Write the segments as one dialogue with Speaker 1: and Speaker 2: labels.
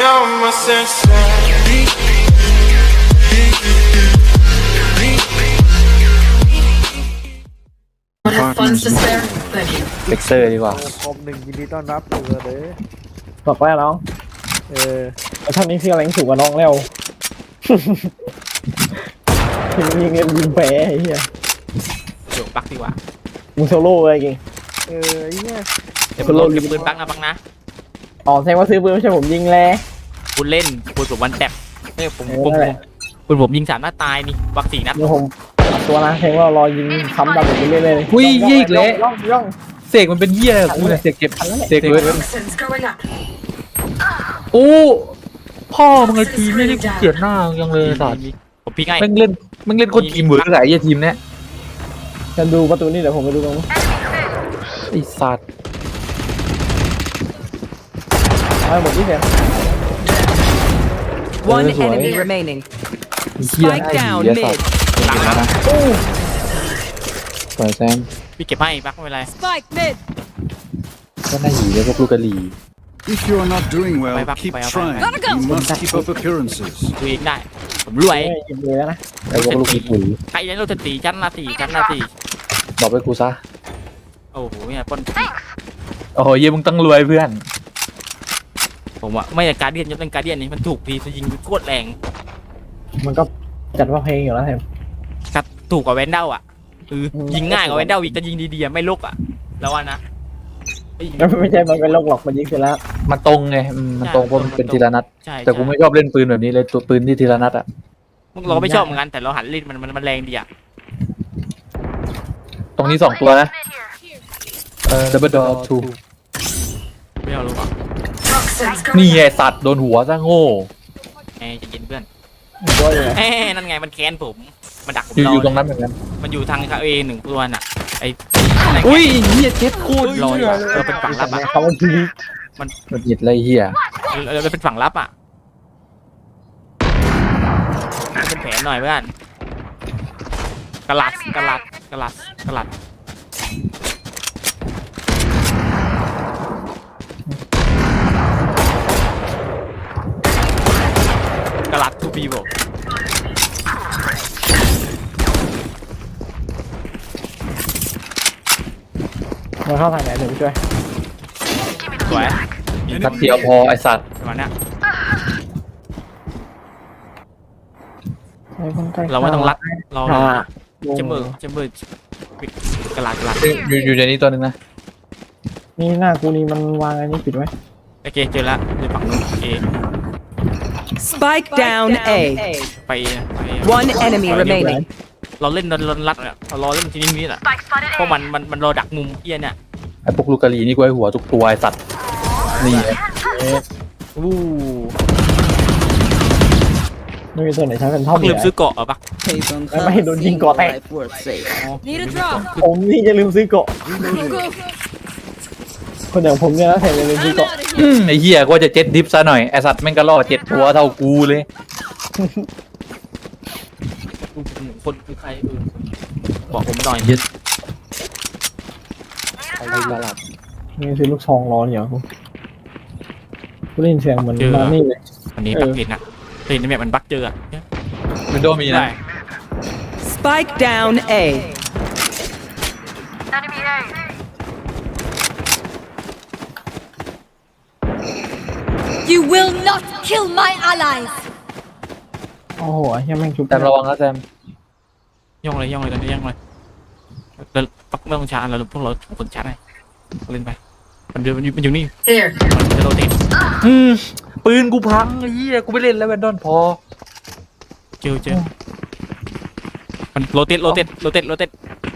Speaker 1: all my senses.
Speaker 2: Have funds to spare? Thank you.
Speaker 3: เบกเซอร์ดีกว่า
Speaker 4: คอมหนึ่งยินดีต้อนรับเสือเด้อ
Speaker 5: บอกว่าน้อง แล้วท่านนี้คืออะไรสูงกว่าน้องแล้ว ยิงเงินยิงแพ้ไอ้เหี้ย
Speaker 6: เดี๋ยวปักดีกว่า
Speaker 5: มึงโซโล่เลยจริง
Speaker 4: ไอ้เนี่ย
Speaker 6: เดี๋ยวผมลงเก็บปืนปักนะปักนะ
Speaker 5: อ๋อแสดงว่าซื้อปืนไม่ใช่ผมยิงแล้ว
Speaker 6: คุณเล่นคุณผมวันแตบเนี่ยผม
Speaker 5: นั่นแหละ
Speaker 6: ผมยิง3 นัดตายนี่ปัก4 นัด
Speaker 5: เดี๋ยวผมอัดตัวนะแสดงว่ารอยิงค้ำดำไปเรื่อยๆเลย
Speaker 3: อุ้ยยี่อีกแล้ว
Speaker 5: ย่อง
Speaker 3: เสกมันเป็นเหี้ยอะไรกับกูเนี่ยเสกเก็บเสกเลย
Speaker 2: Toxins going up.
Speaker 3: โอ้พ่อมึงไอ้ทีมนี่กูเกลียดหน้ายังเลยสัตว์
Speaker 6: ผมพี่ไง
Speaker 3: แม่งเล่นคนทีมเวิร์กอะไรไอ้ทีมเนี้ย
Speaker 5: จะดูประตูนี่เดี๋ยวผมไปดูตรงนู้น
Speaker 3: ไอ้สัตว์
Speaker 5: เอาให้หมดที่เสีย
Speaker 7: One
Speaker 3: This way.
Speaker 7: enemy remaining.
Speaker 3: ไอ้เหี้ย
Speaker 7: Spike
Speaker 3: ไอ้
Speaker 7: down
Speaker 3: เหี้ยสัต
Speaker 7: mid.
Speaker 3: ว์
Speaker 6: หลังนะ
Speaker 3: ปล่อยแซม
Speaker 6: พี่เก็บให้ปักไม่เป็นไร
Speaker 7: Spike mid.
Speaker 3: ก็น่าหีเลยพวกลูกกะหรี่
Speaker 8: If you are not doing well,
Speaker 6: Bye, bye,
Speaker 8: keep
Speaker 6: bye, bye.
Speaker 8: trying. You must keep up appearances.
Speaker 6: ดูเองได้ผมรวย
Speaker 5: ยิงเลยแล้วนะ
Speaker 3: ไอ้พวกลูกขี้ปุ๋ย
Speaker 6: ใครยันโรตตีชั้นละ4
Speaker 3: บอกไปกูซะ
Speaker 6: โอ้โหเนี่ยปน
Speaker 3: โอ้โหเยี่ยมึงต้องรวยเพื่อน
Speaker 6: ผมอะไม่ใช่การเดียนยกเป็นการเดียนนี่มันถูกพีจะยิงโคตรแรง
Speaker 5: มันก็จัดว่าเพลงอยู่แล้วแทน
Speaker 6: ครับถูกกว่าแวนเดลอะคือยิงง่ายกว่าแวนเดลอีกจะยิงดีๆอะไม่ลกอะแล้วว่านะไอ้
Speaker 5: ไม่ใช่มันเป็นโรคหลอกมันยิงเสร็จแล้ว
Speaker 3: มันตรงไงมันตรงเพราะมันเป็นทีละนัด
Speaker 6: ใช่
Speaker 3: แต่กูไม่ชอบเล่นปืนแบบนี้เลยตัวปืนที่ทีละนัดอะ
Speaker 6: เราก็ไม่ชอบเหมือนกันแต่เราหันเล่นมันแรงดีอะ
Speaker 3: ตรงนี้2 ตัวนะDouble Door
Speaker 6: ไม่เอารู้ป่ะ
Speaker 2: Toxins
Speaker 3: 2นี่
Speaker 2: going
Speaker 3: ไง
Speaker 2: up.
Speaker 3: สัตว์โดนหัวซะโง่
Speaker 6: แหมจะเย็นเพื่อน
Speaker 5: ตัวอยู่ไหน
Speaker 6: แหมนั่นไงมันแค้นผมมันดักผม
Speaker 3: อยู่
Speaker 6: รอ
Speaker 3: อยู่ตรงนั้นเหมือนกัน
Speaker 6: มันอยู่ทางเอ1 ตัวน่ะไอ้
Speaker 3: อุ้ยเฮียเจ็บโคตร
Speaker 6: รออยู่อะเราเป็นฝั่งรับอะ
Speaker 5: เขาทีนี้
Speaker 3: มันหยิดอะไรเฮีย
Speaker 6: เราเป็นฝั่งรับอะเป็นแผนหน่อยเพื่อนกระลัดกระลัดทูบีบอก
Speaker 5: มาเข้าทางไหนเดี๋ยวไปช่วย
Speaker 6: สวย
Speaker 3: นัดเดียวพอไอสัตว์
Speaker 6: ประมาณเนี้ย
Speaker 5: ไอ้คนใกล้
Speaker 6: เราไม่ต้องรัดเรา
Speaker 5: อ่า
Speaker 6: เจมเบอร์กระลัด
Speaker 3: อยู่ในนี้ตัวหนึงนะ
Speaker 5: นี่หน้ากูนี่มันวางอันนี้ปิดไว้
Speaker 6: โอเคเจอแล้วในฝั่งนู้นเอ
Speaker 7: Spike down A.
Speaker 6: ไป
Speaker 7: One enemy remaining.
Speaker 6: เราเล่นรัดเนี่ยเรารอเล่นทีนี้แหละเพราะมันรอดักมุมเอี้ยเนี่ย
Speaker 3: ไอพวกลูกกะหรี่นี่กูไอหัวทุกตัวไอสัตว์นี่ไง
Speaker 6: อู้
Speaker 5: ไม่มีตัวไหนใช้เป็นท่อ
Speaker 6: พั
Speaker 5: ม
Speaker 6: กลืมซื้อเกาะปะ
Speaker 5: ไม่โดนยิงเกาะแตก
Speaker 7: Need a drop.
Speaker 5: ผมนี่จะลืมซื้อเกาะคนอย่างผมเนี่ยนะแทนจะลืมซื้อเกาะ
Speaker 3: ไอเฮียก็จะเจ็ดดิฟซะหน่อยไอสัตว์แม่งก็ล่อ7 ตัวเท่ากูเลย
Speaker 6: คนคือใครบอกผมหน่อย
Speaker 3: อะไรละลับ
Speaker 5: นี่ซื้อลูกซองร้อนอย่างกูได้ยินเสียงเหมือนมานี่เลย
Speaker 6: วันนี้บักเห็นอะเห็นในแบบมันบักเจออะ
Speaker 3: วินโดว์มีนะ
Speaker 6: ได้
Speaker 7: Spike down A.
Speaker 9: You will not kill my allies!
Speaker 5: โอ้โหยังแม่งชุบ
Speaker 3: แซมระวังนะแซม
Speaker 6: ย่องเลยตอนนี้ย่องเลยแล้วปักไม่ต้องชาร์จแล้วพวกเราคนชาร์จให้เล่นไปมันอยู่นี่
Speaker 2: Here.
Speaker 6: มันจะโรเตท
Speaker 3: ปืนกูพังไอ้เฮียกูไม่เล่นแล้วแวนดอนพอ
Speaker 6: เจอมันโรเตท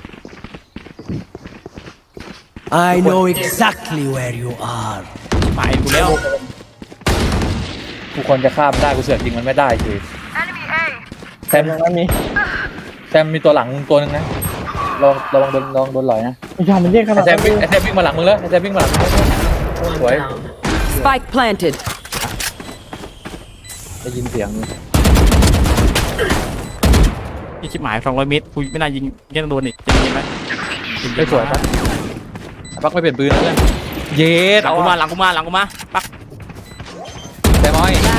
Speaker 10: I know exactly where you are.
Speaker 6: ไปกูแล้ว
Speaker 3: กูควรจะข้ามได้กูเสือกยิงมันไม่ได้คือแซม
Speaker 5: ตรงนั้นมี
Speaker 3: แซมมีตัวหลังมึงตัวนึงนะระวังโดนหลอยนะ
Speaker 5: ยามันเยอะข
Speaker 3: ไอ
Speaker 5: นาด
Speaker 3: แซ
Speaker 5: นั้
Speaker 3: ม
Speaker 5: น
Speaker 3: วิ่งมาหลังมึงแล้วไอแซมวิ่งมาหลังมึงแล้วสวย
Speaker 7: Spike planted.
Speaker 3: ได้ยินเสียง
Speaker 6: พี่ชิบหาย200 เมตรกูไม่น่ายิงยังโดนอีกจะยิงไหม
Speaker 3: ไม่สวยปะปักไม่เปลี่ยนปืนแล้วเพื่อนเย็ด
Speaker 6: หลังกูมาปัก
Speaker 3: แซมอ้อย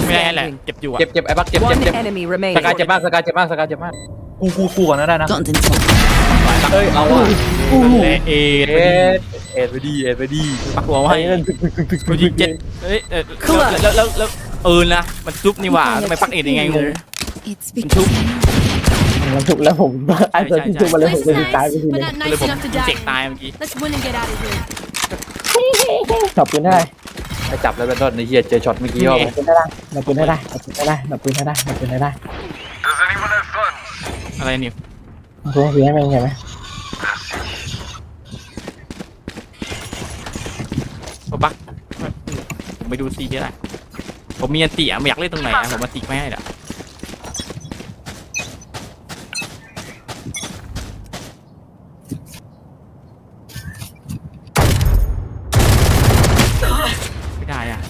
Speaker 6: ไม่ได้แหละ
Speaker 7: standing.
Speaker 6: เจ็บอยู่อะ
Speaker 3: เจ็บไอ้บักเจ็บ
Speaker 7: One
Speaker 3: เจ็บ
Speaker 7: enemy
Speaker 3: ส
Speaker 7: remaining.
Speaker 3: กายเจ็บมากสกายเจ็บมากสกายเจ็บมากกูก่อนนะได้นะ
Speaker 9: Don't insult.
Speaker 3: เอ้ยเอาว่ะ
Speaker 6: และเอ็ด
Speaker 3: เอ็ดไปดี
Speaker 6: ปักหัวให้กูยิงเจ็ดเอ้ยแล้วนะมันจุ๊บนี่หว่าทำไมปักเอ็ดยังไงงง
Speaker 9: It's
Speaker 6: Two.
Speaker 9: because
Speaker 5: มันถูกแล้วผมไอ้ตัวที่ถูกมาเลยผมจะตายไปที
Speaker 9: but
Speaker 5: นึง
Speaker 9: not
Speaker 6: ก็เลย
Speaker 9: nice
Speaker 6: ผม
Speaker 9: enough to
Speaker 6: เจ็ก
Speaker 9: die.
Speaker 6: ตายเมื่อกี้
Speaker 9: Let's win and get out of here.
Speaker 5: จับปืนได้
Speaker 3: ไอ้จับแล้วเป็นต้นในเฮียเจอช็อตเมื่อกี้
Speaker 5: ดับปืนได้ดับปืนได้ดับปืนได้ดับปืนได้ดับปืนได้
Speaker 6: อะไรเนี่ย
Speaker 5: ตัวเสียให้มันใช่ไหม
Speaker 6: ปักผมไปดูซีก็ได้ผมมีอันติไม่อยากเล่นตรงไหนผมมาติไม่ให้หรอไม่ได้อ่ะ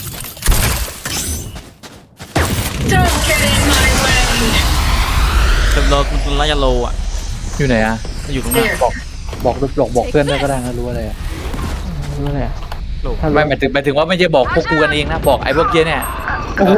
Speaker 2: Don't get in my way.
Speaker 6: จำเราระยะโลอ่ะ
Speaker 3: อยู่ไหนอ่ะ
Speaker 6: อยู่ตรงนั้น
Speaker 2: There.
Speaker 3: บอกเพื่อนได้ก็ได้นะรู้อะไรอ่ะ
Speaker 5: รู้เลย
Speaker 6: โล
Speaker 3: ไม่หมายถึงว่าไม่ใช่บอกพวกกูกันเองนะบอกไอ้พวกเกี้ยเนี่ย
Speaker 5: โอ้โห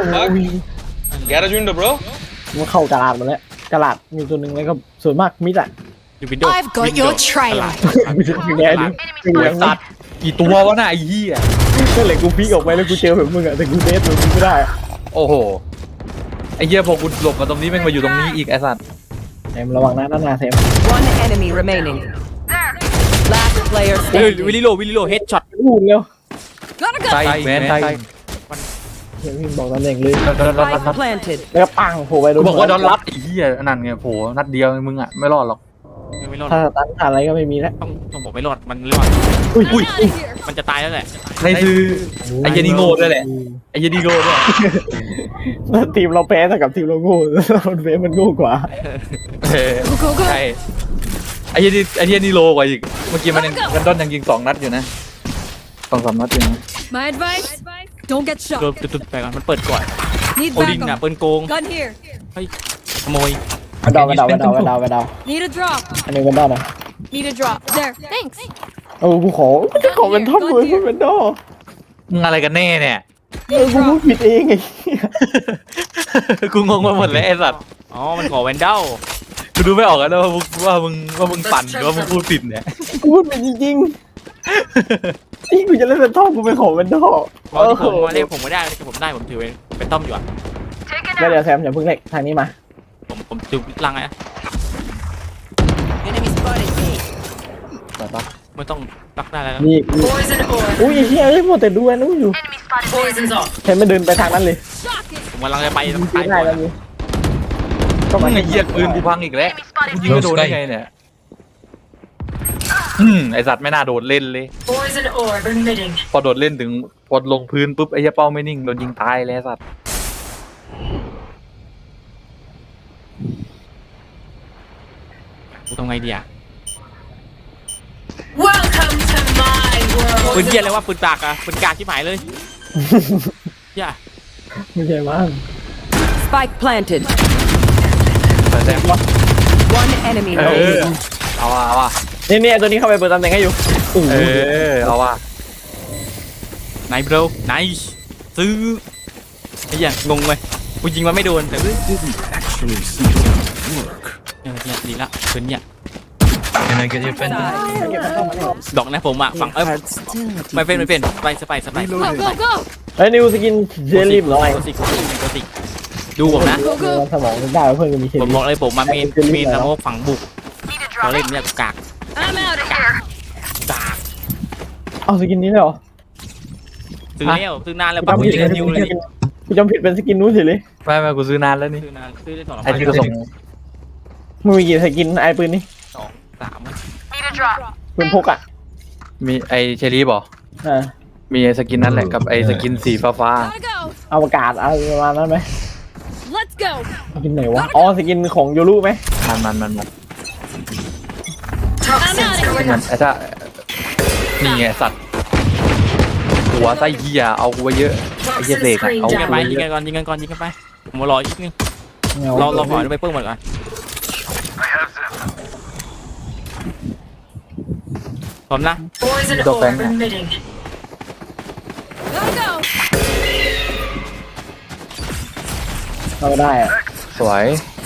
Speaker 5: มันเข้ากระดาษหมดแล้วกระดาษมีตัวหนึ่งแล้วก็ส่วนมากมิดอ่ะ
Speaker 6: อยู่วินโดว์
Speaker 9: I've got your trail.
Speaker 5: มิดอย่างเงี้ยดิเป็นอย่าง
Speaker 3: สั
Speaker 5: นี้
Speaker 3: ตว์กี่ตัววะน่ะไอ้เหี้ย
Speaker 5: ก็เลยกูพีกออกไปแล้วกูเจอแบบมึงอ่ะแต่กูเดทมึงไม่ได้
Speaker 3: โอ้โหไอ้เหี้ยพอกูหลบมาตรงนี้แม่งมาอยู่ตรงนี้อีกไอ้สัตว์
Speaker 5: แซมระวังนะนั่นนะแซม
Speaker 7: One enemy remaining. Last player
Speaker 6: เฮ้ย
Speaker 7: standing.
Speaker 6: วิลลิโลเฮดช็อต
Speaker 5: พูดเร็ว
Speaker 9: Gotta go.
Speaker 3: ไทยแมนไทย
Speaker 5: เดี๋ยวพี่บอกตำแหน่งเลย
Speaker 7: Spike planted.
Speaker 5: แล้วก็ปังโผล่ไปโด
Speaker 3: กู
Speaker 5: น
Speaker 3: บอกว่าดอนรับไอ้เหี้ยนั่นไงโผล่นัดเดียวมึงอ่ะไม่รอดหรอก
Speaker 6: ไม่รอด
Speaker 5: ถ้าตันอะไรก็ไม่มีแล้ว
Speaker 6: ต้องบอกไม่รอดมันรอด
Speaker 5: อุ้ย
Speaker 9: I'm out of here.
Speaker 6: มันจะตายแล้วแหละ
Speaker 3: ในคือไอ้เหี้ยนี่โง่ด้วยแหละไอ้เหี้ยนี่โง่ด้วย
Speaker 5: แล้วทีมเราแพ้แต่กับทีมเราโง่มันเฟมันโง่กว่า
Speaker 9: Go, go, go.
Speaker 3: ใช่ไอ้เหี้ยนี่โลกว่าอีกเมื่อกี้มันยังกันดอนยังยิง2 นัดอยู่นะ2-3 นัดอยู่นะ
Speaker 9: My advice: don't get
Speaker 6: โด
Speaker 9: shot.
Speaker 6: นตุ๊ดไปก่อนมันเปิดก่อน
Speaker 9: Need
Speaker 6: โอดินอ่ะ
Speaker 9: backup.
Speaker 6: ปืนโกง
Speaker 9: Gun here.
Speaker 6: ขโมย
Speaker 5: มาดาว
Speaker 9: Need a drop.
Speaker 5: อันนี้เป็นดาวนะ
Speaker 9: Need a drop. There. Thanks.
Speaker 5: เออกูขอเป็นท่อมเลยพูดเป็นดอ
Speaker 3: มึงอะไรกันแน่เนี่ย
Speaker 5: กูพูดผิดเองไง
Speaker 3: กูงงไปหมดเลยไอ้สัตว์
Speaker 6: อ๋อมันขอแวนเดล
Speaker 3: กูดูไม่ออกแล้วว่ามึงปั่นหรือว่ามึงพูดผิดเนี่ย
Speaker 5: กูพูดผิดจริงๆที่กูจะเล่นเป็นท่อมกูไปขอเป็นดอ
Speaker 6: ตอนที่ผมมาเรียกผมไม่ได้ผมได้ผมถือเป็นต้อมอยู่อ่ะ
Speaker 5: แล้วเดี๋ยวแซมอย่าเพิ่งเล็กทางนี้มา
Speaker 6: ผมถือลังไง
Speaker 7: Enemy spotted.
Speaker 6: ไม่ต้องรักได้แล้ว
Speaker 5: นี่
Speaker 2: Poison orb.
Speaker 5: อุ้ยเฮียไม่หมดแต่ดูนู้อยู่
Speaker 2: Poison's off.
Speaker 5: แซมไม่เดินไปทางนั้นเลย
Speaker 9: Shocking.
Speaker 6: ผมกำลังจะไป
Speaker 5: ยิง
Speaker 6: ตาย
Speaker 5: ได้
Speaker 6: ก่อน
Speaker 5: แล้วนี่ก็
Speaker 3: มึ
Speaker 5: มาง
Speaker 3: ไอ้เหี้ยปืนกูพังอีกแล้วกูยิงไม่โดนได้ไงเนี่ยไอสัตว์ไม่น่าโดดเล่นเลย
Speaker 2: Poison orb emitting.
Speaker 3: พอโดดเล่นถึงพอลงพื้นปุ๊บไอ้เหี้ยเป้าไม่นิ่งโดนยิงตายเลยไอ้สัตว์
Speaker 6: กูทำไงดีอ่ะ
Speaker 2: Welcome to my
Speaker 6: ปืน
Speaker 2: world.
Speaker 6: เกียร์อะไรวะปืนตากอ่ะปืนกากที่หายเลยอย่า
Speaker 5: ไม่ใช่มั้ง
Speaker 7: Spike planted.
Speaker 3: แต่แซม
Speaker 7: One enemy
Speaker 3: เออ
Speaker 7: remaining.
Speaker 3: เอาว่ะ
Speaker 5: นี่ตัวนี้เข้าไปเปิดตำแหน่งให้อยู่
Speaker 3: เอาว่ะ
Speaker 6: ไหนโบรไหนซื้อไอ้เหี้ยงงเลยกูยิงมันไม่โดนแต่
Speaker 8: Didn't actually seem to work.
Speaker 6: เนี่ยดีละปืนเนี่ย
Speaker 8: Can I get your pen?
Speaker 6: ดอกนะผมอ่ะฝั่งไม่เป็นไปสไป
Speaker 9: Go, go, go.
Speaker 5: เฮ้ยนิวสกินเจลลี่หรอไง
Speaker 6: ตัวสิดูผมนะ
Speaker 9: Go, go.
Speaker 5: สมองได้เพื่อนก็มีเชล
Speaker 6: ผม
Speaker 5: ลี่
Speaker 6: บอกเลยผมมาเมนนะโมฝั่งบุกเราเล่นเนี่ยกาก
Speaker 9: I'm out of here.
Speaker 6: กาก
Speaker 5: เอาสกินนี้เลยเหรอ
Speaker 6: ซื้อแล้วซื้อนานแล้วปั๊บยิงนิวเลย
Speaker 5: กูจำผิดเป็นสกินนู้นเฉยเลย
Speaker 3: ไม่กูซื้อนานแล้วนี่
Speaker 6: ซื้อนานซื้อได้2
Speaker 3: ไอ้ที่กูส่ง
Speaker 5: มึงมีกี่สกินไอ้ปืนนี่
Speaker 6: 3
Speaker 5: ปืนพกอ่ะ
Speaker 3: มีไอ้เชอรี่บอก มีไอ้สกินนั่นแหละกับไอ้สกินสีฟ้า
Speaker 9: Gotta go.
Speaker 5: อวกาศอะไรประมาณนั้นไหม
Speaker 9: Let's go.
Speaker 5: สกินไหนวะอ๋อสกินของโยรุไหม
Speaker 3: มัน
Speaker 2: Toxins going
Speaker 3: มัน
Speaker 2: up.
Speaker 3: ไอ้ถ้านี่ไงสัตว์หัวไส้เหี้ยเอากูไว้เยอะไอ้เหี้ย
Speaker 2: Toxin
Speaker 3: เสกอะ
Speaker 2: screen
Speaker 3: เอา
Speaker 6: ยิงกันไป
Speaker 2: down.
Speaker 6: ยิงกันก่อนยิงกันไปผมมารออีกนึงเราขอดูไปเปิ้ลหมดก่อนพร้อมนะ
Speaker 2: Poison
Speaker 3: Don't bang
Speaker 2: orb
Speaker 3: that.
Speaker 2: emitting.
Speaker 9: Gotta go.
Speaker 5: เราได้อะ
Speaker 3: สวย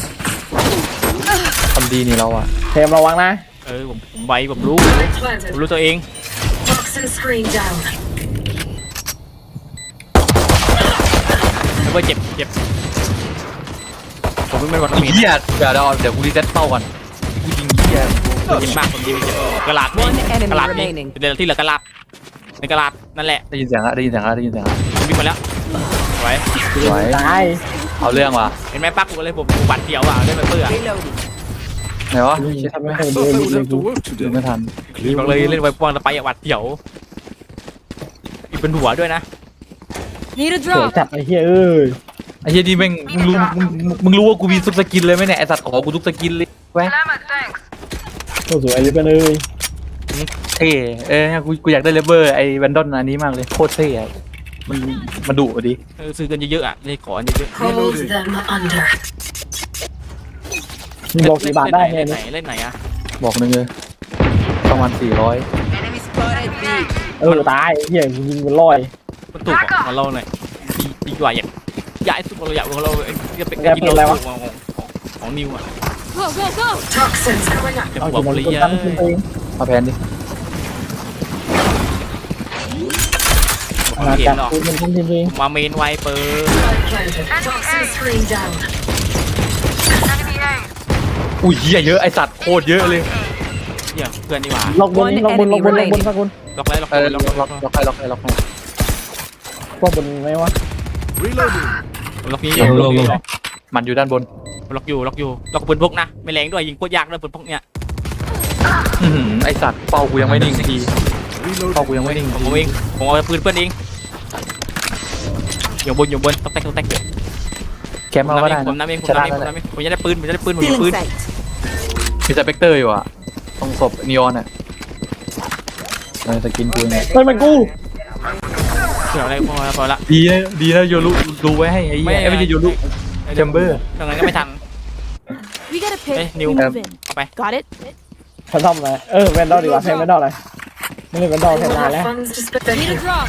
Speaker 3: ทำดีนี่เราอ่ะ
Speaker 5: เทมระวังนะ
Speaker 6: ผมไวผมรู้
Speaker 2: Planted.
Speaker 6: ผมรู้ตัวเอง
Speaker 2: Toxin screen down.
Speaker 6: ไม่ว่าเจ็บผมไม่วัน
Speaker 3: ไอ้
Speaker 6: มี
Speaker 3: เหี้ยเดี๋ยวกูรีเซ็ตเป้าก่อนกูยิงเหี้ย
Speaker 6: เจ็บมากผมยิงเจ็บกระลาด
Speaker 7: One enemy
Speaker 6: กระลาดนี่
Speaker 7: remaining
Speaker 6: เดี๋ยวที่เหลือกระลาดในกระลาดนั่นแหละ
Speaker 3: ได้ยินเสียงละได้ยินเสียงละได้ยินเสียงละ
Speaker 6: ผมวิ่งมาแล้วสวย
Speaker 3: สวย
Speaker 5: ตาย
Speaker 3: เอาเรื่องว่ะ
Speaker 6: เห็นไหมปักกูเลยผมบัดเดียวอ่ะเล่นไปเพื่อ
Speaker 7: Reloading.
Speaker 3: ไหนวะ
Speaker 5: ทำไม่เคยดู
Speaker 8: I
Speaker 5: เลย
Speaker 8: would have to work
Speaker 3: ดู
Speaker 8: today.
Speaker 3: ไม่ทัน
Speaker 6: บอกเลยเล่นไปป้อนไปอ่ะบัดเดียวอีกเป็นหัวด้วยนะ
Speaker 9: Need a
Speaker 5: สวย
Speaker 9: drop.
Speaker 5: จัดไอ้เหี้ยเอ้ย
Speaker 3: ไอ้เหี้ยนี่แม่งมึงรู้ว่ากูมีทุกสกินเลยไหมเนี่ยไอ้สัตว์ขอกูทุกสกินเลยแวะ
Speaker 5: โอ้สวยเลยเพื่อนเอ้ย
Speaker 3: เท่กูอยากได้เลเวอร์ไอ้แวนดอนอันนี้มากเลยโคตรเท่อะมันดุดิ
Speaker 6: ซื้อกันเยอะๆอ่ะเลยขอเยอะ
Speaker 2: Hold them under.
Speaker 5: มีบอกกี่บาทได้เนี่ย
Speaker 6: เล่นไหนเล่นไหนอ่ะ
Speaker 3: บอกนึงเลยประมาณ400
Speaker 7: Enemy spotted B.
Speaker 5: ตายไอ้เหี้ยยิงมันลอย
Speaker 6: มันถูกอ่ะของเราหน่อยดีกว่าอยากสุดเราอยากของเราจะเป็นกินเราของนิวอ่ะ
Speaker 9: Go, go, go.
Speaker 2: Toxins going up.
Speaker 6: จะ
Speaker 5: เอา
Speaker 6: บอก
Speaker 5: กี่โมง
Speaker 6: เลย
Speaker 5: คน
Speaker 6: เย
Speaker 5: ตั้งขึ้นไป
Speaker 3: มาแพนดิ
Speaker 5: งาน
Speaker 6: เห็
Speaker 5: จัด
Speaker 6: นหรอ
Speaker 5: คุณเป็นทีมเอง
Speaker 6: มาเมนไวเปอร์
Speaker 2: Planted. Toxin screen down.
Speaker 3: อุ้ยเหี้ยเยอะไอ้สัตว์โคตรเยอะเลย
Speaker 6: เดี๋ยวเพื่อนดีกว่า
Speaker 5: ล็อกบนล็อกบนสักคน
Speaker 6: ล็อกเลยล็อก
Speaker 3: เออ
Speaker 6: เลย
Speaker 3: ล็
Speaker 6: ล็
Speaker 3: อ
Speaker 6: อก
Speaker 3: กให้ล็อกให้
Speaker 5: ล็อกบนไหมวะ
Speaker 8: Reloading.
Speaker 6: ล็อกนี้อยู่ล็อกอยู่
Speaker 3: มันอยู่ด้านบน
Speaker 6: ล็อกปืนพกนะไม่แรงด้วยยิงโคตรยากด้วยปืนพกเนี่ย
Speaker 3: ไอ้สัตว์เป้ากูยังไม่นิ่งทีเป้ากูยังไม่นิ่ง
Speaker 6: ผมเองผมเอาปืนเพื่อนเองอยู่บนต้องแตก
Speaker 3: แคมป์เราก็ได้
Speaker 6: ผมน้ำเอง
Speaker 3: ชนะแล้วแหละ
Speaker 6: ผมจะได้ปืนผมจะได้ปืน
Speaker 7: Feeling sight.
Speaker 3: มีสเปกเตอร์อยู่อ่ะตรงศพนีออนอ่ะสกินกูเนี่ย
Speaker 5: เฮ้ยมันกู
Speaker 6: เดี๋ยวอะไรพอละ
Speaker 3: ดีนะโยรุดูไว้ให้ไอ้เหี้ยไม่ใช่โยรุแชมเบอร์
Speaker 6: ตรงนั้นก็ไม่ทัน
Speaker 9: We got a pick.
Speaker 6: Hey,
Speaker 9: We
Speaker 6: Neil.
Speaker 9: move in.
Speaker 6: Okay.
Speaker 9: Got it?
Speaker 5: ฉันทำอะไรแวนดอลดีกว่าแทนแวนดอลเลยไม่เล่นแวนดอลแทนนานแล้ว
Speaker 2: Funds to spend.
Speaker 9: Need a drop.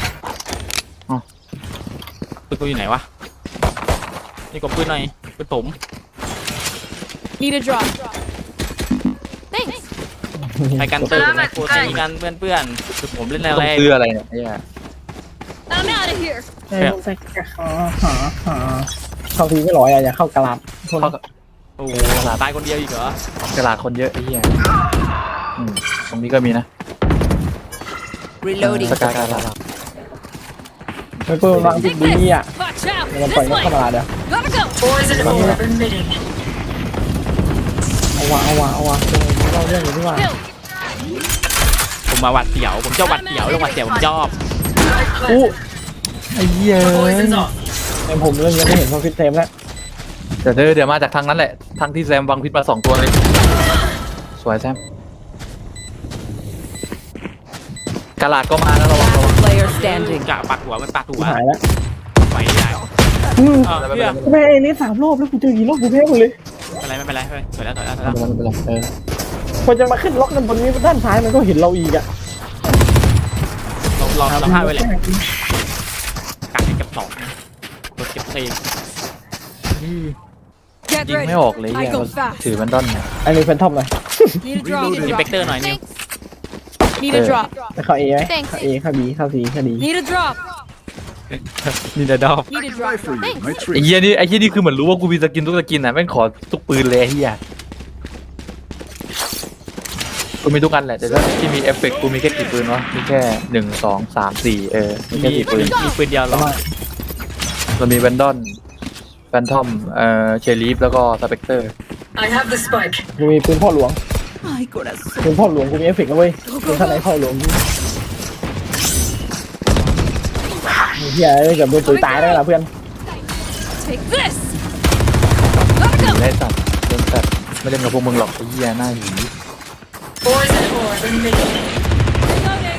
Speaker 6: ปืนกูอยู่ไหนวะนี่กดปืนหน่อยปืนผม
Speaker 9: Need a drop. Thanks.
Speaker 6: ไปกันเติมโคตรตีกันเพื่อนคือผมเล่น
Speaker 3: ต้อง
Speaker 6: แรง
Speaker 3: ซื้ออะไรเนี่ยไอ้เหี้ย
Speaker 9: I'm out of here.
Speaker 5: เข้าทีไม่ร้อยอะอย่าเข้ากระลาดคน
Speaker 6: โอ้ตายคนเดียวอีกเหรอก
Speaker 3: ระดาษคนเยอะไอ้เหี้ยตรงนี้ก็มีนะ
Speaker 7: Reloading.
Speaker 3: สกายกระดาษ
Speaker 5: ไม่เปิดวางติด
Speaker 9: Take
Speaker 5: ดีอ่ะ
Speaker 9: this. Watch out.
Speaker 5: มันปล่อย
Speaker 9: This
Speaker 5: นกเข้า
Speaker 9: way.
Speaker 5: มาเดี๋ยว
Speaker 9: Gotta go.
Speaker 2: Poison orb emitting.
Speaker 5: เอาวะเราเรื่องอยู่ที่ว่า
Speaker 9: Kill.
Speaker 6: ผมมาหวัดเสียวผมชอบหวัดเสียวเรื่องหวัดเสียวผมชอบ
Speaker 5: อู้
Speaker 3: ไอ้เหี้ย
Speaker 2: Poison's off.
Speaker 5: แต่ผมเรื่องยังไม่เห็นพอฟิตเต็มแล้ว
Speaker 3: เดี๋ยวมาจากทางนั้นแหละทางที่แซมวางพิษมา2ตัวเลยสวยแซมกระดาษก็มาแล้วระวัง
Speaker 7: Last player standing.
Speaker 6: กะปักหัวมันปักหัว
Speaker 5: หายแล้ว
Speaker 6: ไหวใหญ่
Speaker 5: อืม
Speaker 6: เพื่อน
Speaker 5: แม่นี่3 รอบแล้วกูเจอกี่รอบกูแพ้หมดเลย
Speaker 6: ไม่เป็นไรสวยแล้ว
Speaker 3: ไม่เป็นไร
Speaker 5: พอจะมาขึ้นล็อกกันบนนี้ด้านซ้ายมันก็เห็นเราอีกอ่ะ
Speaker 6: เราห้าไว้เลยกัดให้เก็บ2กดเก็บ4
Speaker 9: Get
Speaker 3: ยิง
Speaker 9: ready.
Speaker 3: ไม่ออกเลยเหี้ยถือมันด้อนเนี่ย
Speaker 5: อันนี้เป็นทอมเลย
Speaker 9: Need a drop.
Speaker 6: อินเปกเตอร์หน่อยนิว
Speaker 9: Thanks. Need a drop.
Speaker 5: ไปเข้าเอไหมเข้าเอเข้าบีเข้าซีเข้าดี
Speaker 9: Need a drop.
Speaker 6: นี่ดอก
Speaker 9: Need a drop. Thanks.
Speaker 8: My
Speaker 3: ไอ้
Speaker 8: treat.
Speaker 3: เหี้ยนี่คือเหมือนรู้ว่ากูมีสกินทุกสกินอ่ะแม่งขอทุกปืนเลยไอ้เหี้ยกูมีทุกอันแหละแต่ถ้าที่มีเอฟเฟกต์กูมีแค่กี่ปืนวะมีแค่1 2 3 4มีแค่กี่ปืน
Speaker 6: มีปืนเดียวหรอ
Speaker 3: เรามีแวนดอนแฟนทอมเชลีฟแล้วก็สเปกเตอร์
Speaker 2: I have the spike.
Speaker 5: กูมีปืนพ่อหลวงปืนพ่อหลวงกูมีเอฟเฟกต์แล้วเว้ยปืนท่านไหนพ่อหลวงเฮียเกือบโดนตุ๋ยตายได้ละเพื่อน
Speaker 9: Take this. Gotta go.
Speaker 3: ได้สัตว์เล่นสัตว์ไม่เล่นกับพวกมึงหรอกไอ้เหี้ยหน้าหยี
Speaker 2: Poison orb emitting.
Speaker 9: Reloading.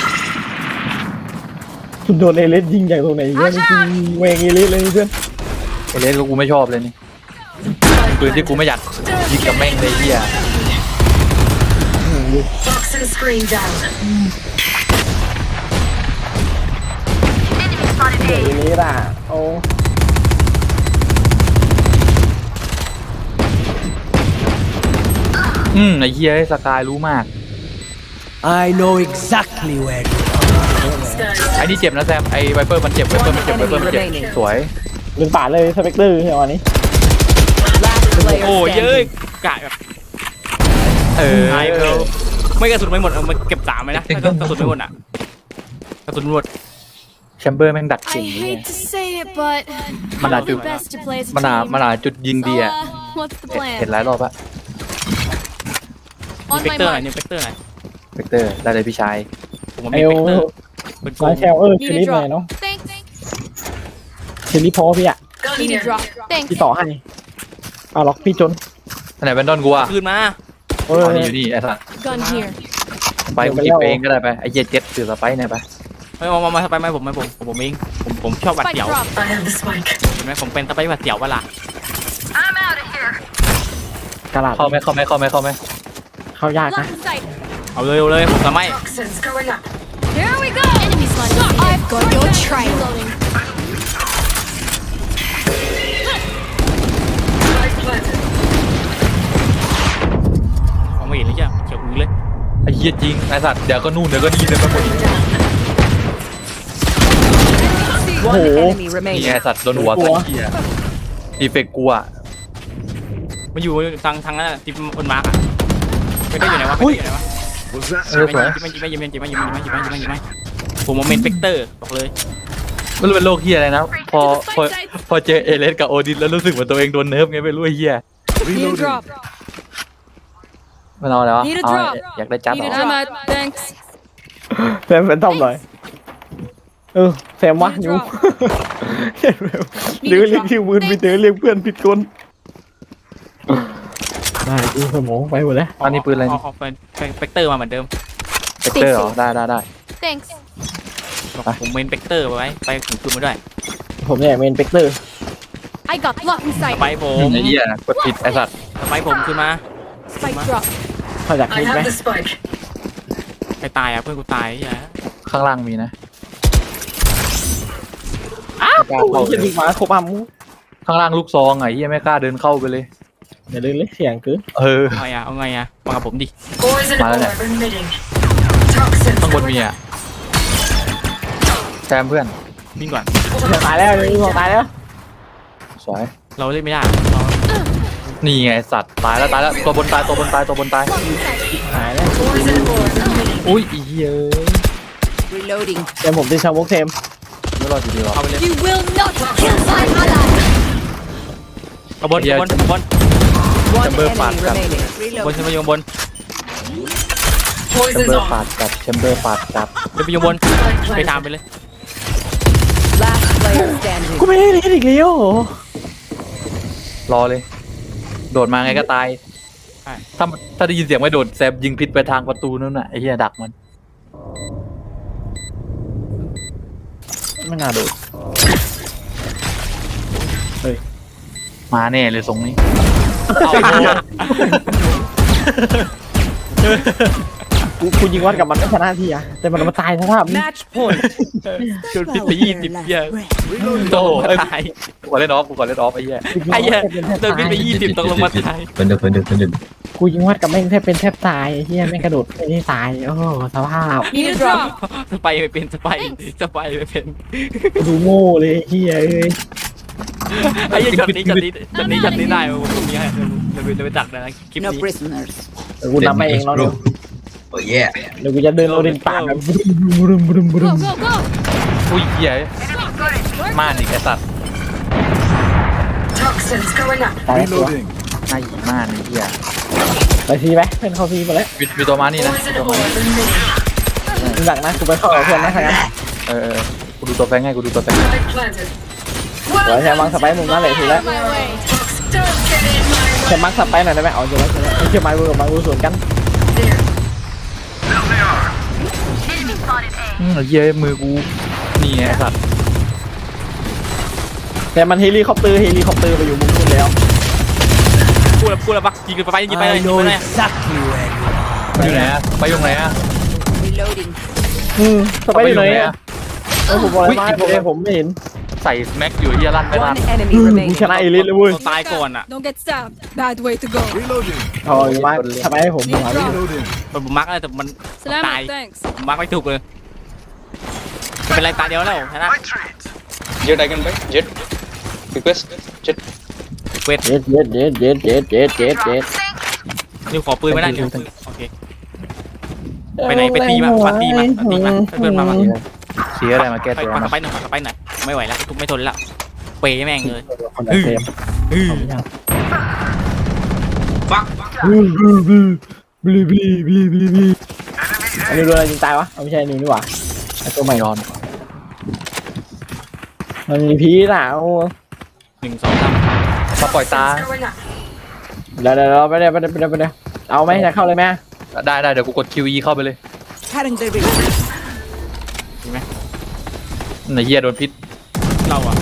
Speaker 5: คุณโดนเอเลสยิงจากตรงไหนเงี้ยนี่คือเวงเอเลสเลยเพื่อน
Speaker 3: ไอเลสก็กูไม่ชอบเลยนี่ปืนที่กูไม่อยากยิงกับแม่งเลยไอ้เหี้ย
Speaker 2: Toxin screen down.
Speaker 5: เอเลสอ่ะโอ้
Speaker 3: ไอ้เหี้ยสกายรู้มาก
Speaker 10: I know exactly where you
Speaker 2: Sky.
Speaker 3: ไอ้นี่เจ็บนะแซมไอ้ไวเปอร์มันเจ็บไวเปอร์มันเจ็บไวเปอร์มันเจ็บสวย
Speaker 5: ลืมป่าดเลยสเปกเตอร์เฮียวันนี้
Speaker 7: Last player
Speaker 6: โอ้ยเย้ย
Speaker 7: standing.
Speaker 6: กะแบบ
Speaker 3: เออ
Speaker 6: ไอ้เราไม่กระสุนไม่หมดเอามาเก็บ3ไหมนะถ้ากระสุนไม่หมดอ่ะกระสุนหมด
Speaker 3: แชมเบอร์แม่งดัก
Speaker 9: I
Speaker 3: เก่งเนี่ย
Speaker 9: hate to say it, but
Speaker 3: Mà là
Speaker 9: it's
Speaker 3: chụp-
Speaker 9: best to play as a
Speaker 3: มันหา
Speaker 9: team.
Speaker 3: มันหาจุดยิง
Speaker 9: So,
Speaker 3: ดีอ่ะ
Speaker 9: what's the
Speaker 3: เห็น
Speaker 9: plan?
Speaker 3: หลายรอบอะ
Speaker 9: On
Speaker 6: เวก
Speaker 9: my
Speaker 6: เตอร์หน่อย
Speaker 9: mark.
Speaker 6: นี่เวกเตอร์หน่อย
Speaker 3: เวกเตอร์ได้เลยพี่ชาย
Speaker 6: ผม
Speaker 5: ไอ
Speaker 6: มี
Speaker 5: โอ
Speaker 6: เวกเตอร์เป็นโก
Speaker 5: ร้าง นแชลเช
Speaker 9: Need
Speaker 5: ลิฟ
Speaker 9: a
Speaker 5: หน่อย
Speaker 9: drop.
Speaker 5: เนาะ
Speaker 9: Thanks.
Speaker 5: เชลิฟพอพี่อะ
Speaker 2: Gun
Speaker 9: Need a
Speaker 2: here.
Speaker 9: drop. Thanks.
Speaker 5: พี่ต่อให้เอาล็อกพี่จน
Speaker 3: อันไหนแบนดอนกูอ่ะ
Speaker 6: คืนมา
Speaker 5: เออ
Speaker 3: อ๋อนี่อยู่นี่ไอ้สัส
Speaker 9: Gun here.
Speaker 3: ไปกูหยิบเองก็ได้ไปไอ้เหี้ยเจ็ดถือสไปร์เนี่ยไป
Speaker 6: มาสไปไหมผมเองผมชอบหวัด
Speaker 9: Spike
Speaker 6: เสียว
Speaker 9: drop.
Speaker 2: I have the spike.
Speaker 6: เห็นไหมผมเป็นสไปหวัดเสียวเวลาก
Speaker 5: ระดาษ
Speaker 3: เข้าไหม
Speaker 5: เข้ายากนะ
Speaker 9: Lock in sight.
Speaker 6: เอาเลยผมจะไม่
Speaker 2: Toxins going up.
Speaker 9: Here we go. Enemy spotted. I've got your trail. Reloading.
Speaker 2: Spike planted.
Speaker 6: มองไม่เห็นเลยจ้ะเขียวอื้อเลย
Speaker 3: ไอ้เหี้ยจริงไอ้สัตว์เดี๋ยวก็นู่นเดี๋ยวก็นี่เดี๋ยวก็หมดอีก
Speaker 7: One enemy
Speaker 3: นี่
Speaker 7: remaining.
Speaker 3: ไอ้สัตว์โดนหัวใส่เหี้ยดีเฟกกูอ่ะ
Speaker 6: มันอยู่ทางนั้นที่บนมาร์กอ่ะไม่ได้อยู่ไหนวะไม่ได้อยู่ไหนวะ
Speaker 8: Was that
Speaker 3: เออสวย
Speaker 6: ไม่ผมโมเมนต์เฟกเตอร์บอกเลย
Speaker 3: ไม่รู้เป็นโรคเหี้ยอะไรนะพอเจอเอเลสกับโอดินแล้วรู้สึกเหมือนตัวเองโดนเนิร์ฟไงไม่รู้ไอ้เหี้ย
Speaker 9: Need a drop.
Speaker 3: มันเอาอะไรวะ
Speaker 9: Need a
Speaker 3: เอา
Speaker 9: drop.
Speaker 3: อยากได้จัด
Speaker 9: Need
Speaker 3: เหร
Speaker 9: a
Speaker 3: อ
Speaker 9: drop. Thanks.
Speaker 5: แซมเป็นทอมหน่อยแซมวะนิวหรือเรียกชื่อมือไปเจอเรียกเพื่อนผิดคนได้ดูสมองไปหมดแล้ว
Speaker 3: อันนี้ปืนอะไร
Speaker 6: เอาเฟกเตอร์มาเหมือนเดิม
Speaker 3: เฟกเตอร์เหรอได้
Speaker 9: Thanks.
Speaker 6: ผมเมนเฟกเตอร์ไว้ไปถึงคืนมาด้วย
Speaker 5: ผมเนี่ยเมนเปกเตอร์
Speaker 9: I got lock in
Speaker 6: ส
Speaker 9: sight.
Speaker 6: ไปผม
Speaker 3: ไอ้เหี้ยกดผิดไอ้สัตว์
Speaker 6: สไปผมคืนมา
Speaker 9: Spike drop.
Speaker 5: เขาอยาก
Speaker 2: I
Speaker 5: คิดไหม
Speaker 2: have the spike.
Speaker 6: ใครตายอ่ะเพื่อนกูตายอย่า
Speaker 3: ข้างล่างมีนะ
Speaker 5: โอ้ยจะดีมาครบอ่ะมู
Speaker 3: ข้างล่างลูกซองไอ้เหี้ยไม่กล้าเดินเข้าไปเลย
Speaker 5: อย่าลืมเสียงคือ
Speaker 3: เออ
Speaker 6: เอาไงอ่ะมากับผมดิ
Speaker 2: Poison
Speaker 3: Mà đây này.
Speaker 2: orb emitting. Toxins
Speaker 3: ข้างบน
Speaker 2: going
Speaker 3: มี
Speaker 2: up.
Speaker 3: อ่ะแซมเพื่อน
Speaker 6: วิ่งก่อน
Speaker 5: ตายแล้วนี่บอกตายแล้ว
Speaker 3: สวย
Speaker 6: เราเล่นไม่ได้
Speaker 3: นี่ไงสัตว์ตายแล้วตัวบนตาย
Speaker 5: หายแล้ว
Speaker 2: Poison orb emitting.
Speaker 3: อุ้ยอีเหี้ย
Speaker 7: Reloading.
Speaker 5: เดี๋ยวผมตีชาวมุกเทม
Speaker 3: ไม่รอดอยู่ดีหรอ
Speaker 6: เอาไปเลย
Speaker 9: You will not kill my ally.
Speaker 6: เอาบน
Speaker 7: One
Speaker 3: Chamber
Speaker 7: enemy
Speaker 3: phạt cả.
Speaker 7: remaining.
Speaker 6: บนขึ้นไปยงบน
Speaker 3: แชมเบ
Speaker 2: Poison's
Speaker 3: อร์
Speaker 2: off.
Speaker 3: ปาดกับแชมเบอร์ปาดกับ
Speaker 6: ขึ้นไปยงบน
Speaker 2: Spike
Speaker 6: ไปตาม
Speaker 2: planted.
Speaker 6: ไปเลย
Speaker 7: Last player standing.
Speaker 5: กูไม่ได้เล่นอีกแล้วเหรอ
Speaker 3: รอเลย โดดมาไงก็ตาย
Speaker 6: ใช่
Speaker 3: ถ้าได้ยินเสียงไม่โดดแซมยิงพิษไปทางประตูนั่นน่ะไอ้เหี้ยดักมัน
Speaker 5: ไม่น่าโดด
Speaker 3: มาแน่เลยทรงนี้
Speaker 5: กูยิงวัดกับมันไม่ชนะทีอะแต่มันมาตายสภาพนี้
Speaker 7: Match point.
Speaker 6: โดนพิษไป20เหี้ยโตตาย
Speaker 3: กูขอเล่นออฟไอ้เหี้ย
Speaker 6: ไอ้เหี้ยโดนพิษไป20ตกลงมาตาย
Speaker 5: กูยิงวัดกับแม่งแทบเป็นแทบตายไอ้เฮียแม่งกระโดดไม่ได้ตายโอ้สภาพ
Speaker 9: Need a drop.
Speaker 6: สไปไม่เป็นสไปไม่เป็น
Speaker 5: ดูโง่เลยเฮียเอ้ย
Speaker 6: ไอ้เหี้ยจัดนี้ได้ผมมีให้เราไปตักนะคลิป
Speaker 7: No
Speaker 6: นี้
Speaker 7: prisoners.
Speaker 5: เดี๋ยวกูนำไปเองแล้วเดี๋ยว
Speaker 8: Oh yeah.
Speaker 5: เดี๋ยวกูจะเดินโอเดนป่าแบบบึ้ม
Speaker 9: Go, go, go.
Speaker 3: อุ้ยเหี้ยม่านอีกไอ้สัตว์
Speaker 2: Toxins going up.
Speaker 5: ตายแล้วตัว
Speaker 8: Reloading.
Speaker 3: หน้าหยีม่านไอ้เหี้ย
Speaker 5: ไปซีไหมเพื่อนเข้าซีมาแล้ว
Speaker 3: มีตัวมานี่นะ
Speaker 2: Poison orb emitting.
Speaker 5: มึงหลักนะกูไปเข้ากับเพื่อนนะใครกัน
Speaker 3: เออกูดูตัวแฟงให้
Speaker 2: Spike planted.
Speaker 5: เดี๋ยวแชร์มังสไปมุมนั่นเลยทีแล้ว
Speaker 9: My way.
Speaker 2: Don't get in my
Speaker 5: แชร์มังสไปหน่อยได้ไหมเอาเจอแล้วไอ้เชี่ยไม้เวอร์กับไม้เวอร์สวนกัน
Speaker 2: There.
Speaker 3: ไอ้เหี้ยมือกูนี่ไงไอ้สัตว์
Speaker 5: แต่มันเฮลิคอปเตอร์ไปอยู่มุมนู้นแล้ว
Speaker 6: พูดแล้วปักยิงไปยิงไปเลย
Speaker 10: I
Speaker 6: ยิง
Speaker 10: know
Speaker 6: ไปเลย
Speaker 10: exactly where you are.
Speaker 3: อยู่ไหนอะไปอยู่ไหนอะ
Speaker 7: Reloading.
Speaker 5: สไปอยู่ไหนอะผมบอกอะไรมาผมไม่เห็น
Speaker 3: สใส่แม็กอยู่เฮียลั่นไม่ลั่น
Speaker 7: One enemy
Speaker 5: กู
Speaker 7: remaining.
Speaker 5: ชนะเอลิสเลยเว้ย
Speaker 6: เราตายก่อนอ่ะ
Speaker 9: Don't get stabbed. Bad way to go.
Speaker 8: Reloading.
Speaker 5: ทอยมาทำไมให้ผมหัวพี่
Speaker 8: Reloading.
Speaker 6: ผมมาร์กอะไรแต่มันตาย
Speaker 9: Salamat, thanks.
Speaker 6: มาร์กไม่ถูกเลยไม่เป็นไรตาเดียวแล้วชนะ
Speaker 3: Jet I can buy Jet request Jet
Speaker 6: เวท
Speaker 5: เจ็ดเจ็ดเจ็ดเจ็ดเจ็ดเจ็ดเจ็ดเจ็ด
Speaker 6: นิวขอปืนไม่ได้นิวโอเคไปไหนไปตีมาปัดตีมาปัดตีมาเพื่อนมา
Speaker 3: เสียอะไรมาแก้
Speaker 6: ไป
Speaker 3: ตัว
Speaker 6: ปัด
Speaker 3: มา
Speaker 6: ไปหน่อยปัดไปหน่อยไม่ไหวแล้วทุกไม่ทนแล้วเปย์แม่งเลย
Speaker 5: คนละเฟรม
Speaker 6: อื้อ
Speaker 5: บลีบลีบลีบลีบลีอันนี้โดนอะไรยิงตายวะเอาไม่ใช่นิวนี่หว่าไอ้ตัวใหม่
Speaker 3: ยอน
Speaker 5: มันมีพีน่ะโอ้
Speaker 6: 1 2 3
Speaker 3: มาปล่อยตา
Speaker 2: Going up.
Speaker 5: เดี๋ยวไปเดี๋ยวเอาไหมจะเข้าเลยไหม
Speaker 3: ได้เดี๋ยวกูกด QE เข้าไปเลย
Speaker 7: Cutting the ring.
Speaker 3: ไหนเฮียโดนพิษ
Speaker 6: เราอ่ะ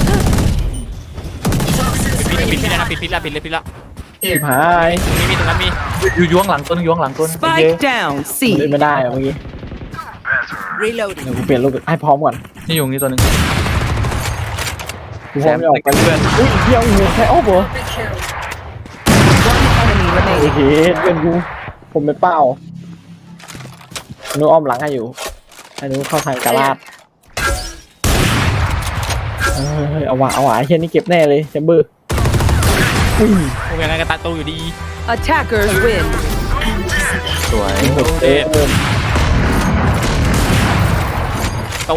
Speaker 6: ปิดแล้วนะปิดแล้วปิดเลย
Speaker 5: ชิบหาย
Speaker 6: มีตรงนั้นมี
Speaker 3: อยู่ยวงหลังต้นยวงหลังต้น
Speaker 7: Spike down.
Speaker 5: เล่น
Speaker 7: C.
Speaker 5: ไม่ได้เมื่อกี้
Speaker 7: Reloading.
Speaker 5: เดี๋ยวกูเปลี่ยนรูปให้พร้อมก่อน
Speaker 3: นี่อยู่นี่ตัวนึง
Speaker 5: กูพร้อมจะออกไปเพื่อนอุ้ยเที่ยวหัวใครอ้อมเหรอ
Speaker 2: Big kill.
Speaker 7: One enemy
Speaker 5: โอ
Speaker 7: remaining.
Speaker 5: เคเพื่อนกูผมเป็นเป้าหนูอ้อมหลังให้อยู่ให้หนูเข้าทางกาลาดเอาว่ะไอ้เช่นนี้เก็บแน่เลยแชมเบอร์อุ้ย
Speaker 6: โอเคงั้นก็ตัดตู้อยู่ดี
Speaker 7: Attackers win.
Speaker 3: สวย
Speaker 5: เอ๊ะ
Speaker 6: ตู้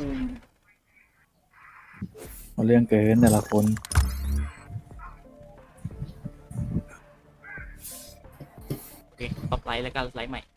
Speaker 3: เอาเรื่องเกินแต่ละคน
Speaker 6: โอเคต่อไลท์แล้วก็ไลท์ใหม่